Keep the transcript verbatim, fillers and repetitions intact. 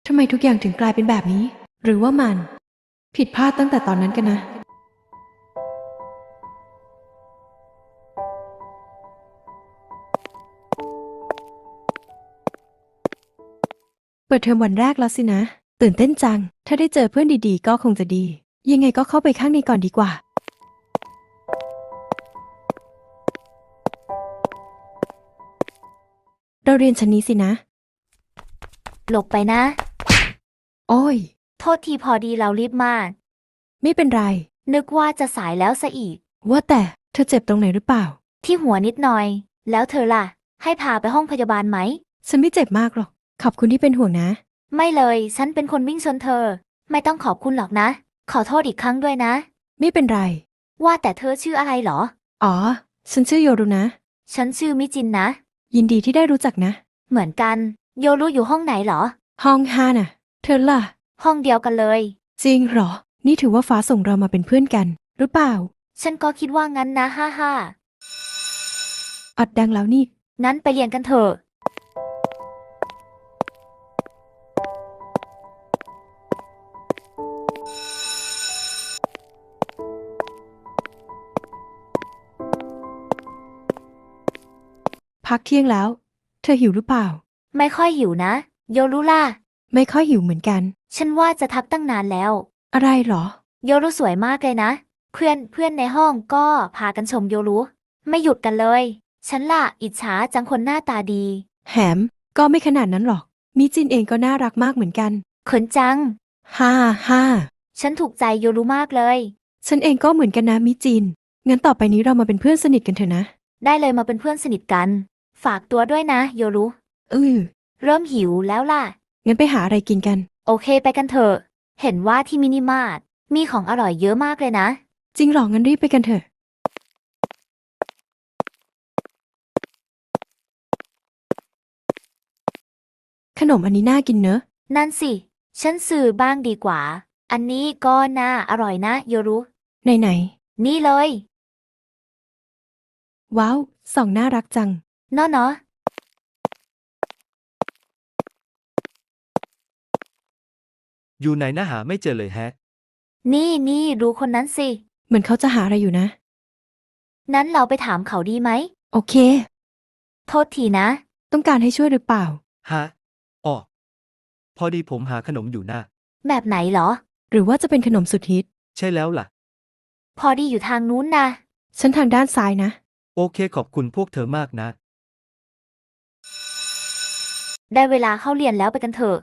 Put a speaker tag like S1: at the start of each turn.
S1: ทำไมทุกอย่างถึงกลายเป็นแบบนี้ หรือว่ามันผิดพลาดตั้งแต่ตอนนั้นกันนะ เปิดเทอมวันแรกแล้วสินะ ตื่นเต้นจัง ถ้าได้เจอเพื่อนดีๆก็คงจะดี ยังไงก็เข้าไปข้างในก่อนดีกว่า เราเรียนชั้นนี้สินะ
S2: หลบไปนะ
S1: โอ้ย
S2: โทษทีพอดีเรารีบมาก
S1: ไม่เป็นไร
S2: นึกว่าจะสายแล้วซะอีก
S1: ว่าแต่เธอเจ็บตรงไหนหรือเปล่า
S2: ที่หัวนิดหน่อย แล้วเธอล่ะ ให้พาไปห้องพยาบาลไหม
S1: ฉันไม่เจ็บมากหรอก ขอบคุณที่เป็นห่วงนะ
S2: ไม่เลย ฉันเป็นคนวิ่งชนเธอ ไม่ต้องขอบคุณหรอกนะ ขอโทษอีกครั้งด้วยนะ
S1: ไม่เป็นไร
S2: ว่าแต่เธอชื่ออะไรเหรอ
S1: อ๋อ ฉันชื่อโยรุนะ
S2: ฉันชื่อมิจินนะ
S1: ยินดีที่ได้รู้จักนะ
S2: เหมือนกัน โยรู้อยู่ห้องไหนเหรอ
S1: ห้องห้าน่ะ เธอล่ะ
S2: ห้องเดียวกันเลย
S1: จริงเหรอ นี่ถือว่าฟ้าส่งเรามาเป็นเพื่อนกัน หรือเปล่า
S2: ฉันก็คิดว่างั้นนะฮ่าฮ่า
S1: อัดดังแล้วนี่
S2: งั้นไปเรียนกันเถอะ
S1: พักเที่ยงแล้ว เธอหิวหรือเปล่า
S2: ไม่ค่อยหิวนะ โยรู้ล่ะ
S1: ไม่ค่อยหิวเหมือนกัน
S2: ฉันว่าจะทักตั้งนานแล้ว
S1: อะไรเหรอ
S2: โยรุสวยมากเลยนะ เพื่อนเพื่อนในห้องก็พากันชมโยรุไม่หยุดกันเลย ฉันล่ะอิจฉาจังคนหน้าตาดี
S1: แหม ก็ไม่ขนาดนั้นหรอก มิจินเองก็น่ารักมากเหมือนกัน
S2: เขินจัง
S1: ฮ่าฮ่า
S2: ฉันถูกใจโยรุมากเลย
S1: ฉันเองก็เหมือนกันนะมิจิน งั้นต่อไปนี้เรามาเป็นเพื่อนสนิทกันเถอะนะ
S2: ได้เลยมาเป็นเพื่อนสนิทกัน ฝากตัวด้วยนะโยรุ
S1: อือ
S2: เริ่มหิวแล้วล่ะ
S1: งั้นไปหาอะไรกินกัน
S2: โอเคไปกันเถอะ เห็นว่าที่มินิมาร์ทมีของอร่อยเยอะมากเลยนะ
S1: จริงเหรอ งั้นรีบไปกันเถอะ ขนมอันนี้น่ากินเนอะ
S2: นั่นสิ ฉันซื้อบ้างดีกว่า อันนี้ก็น่าอร่อยนะโยรุ
S1: ไหนไหน
S2: นี่เลย
S1: ว้าวส่องน่ารักจัง
S2: เนาะเนาะ
S3: อยู่ไหนนะหาไม่เจอเลยแฮะ
S2: นี่นี่ดูคนนั้นสิ
S1: เหมือนเขาจะหาอะไรอยู่นะ
S2: นั้นเราไปถามเขาดีไหม
S1: โอเค
S2: โทษทีนะ
S1: ต้องการให้ช่วยหรือเปล่า
S3: ฮะอ๋อพอดีผมหาขนมอยู่นะ
S2: แบบไหนเหรอ
S1: หรือว่าจะเป็นขนมสุดฮิต
S3: ใช่แล้วล่ะ
S2: พอดีอยู่ทางนู้นนะ
S1: ฉันทางด้านซ้ายนะ
S3: โอเคขอบคุณพวกเธอมากนะ
S2: ได้เวลาเข้าเรียนแล้วไปกันเถอะ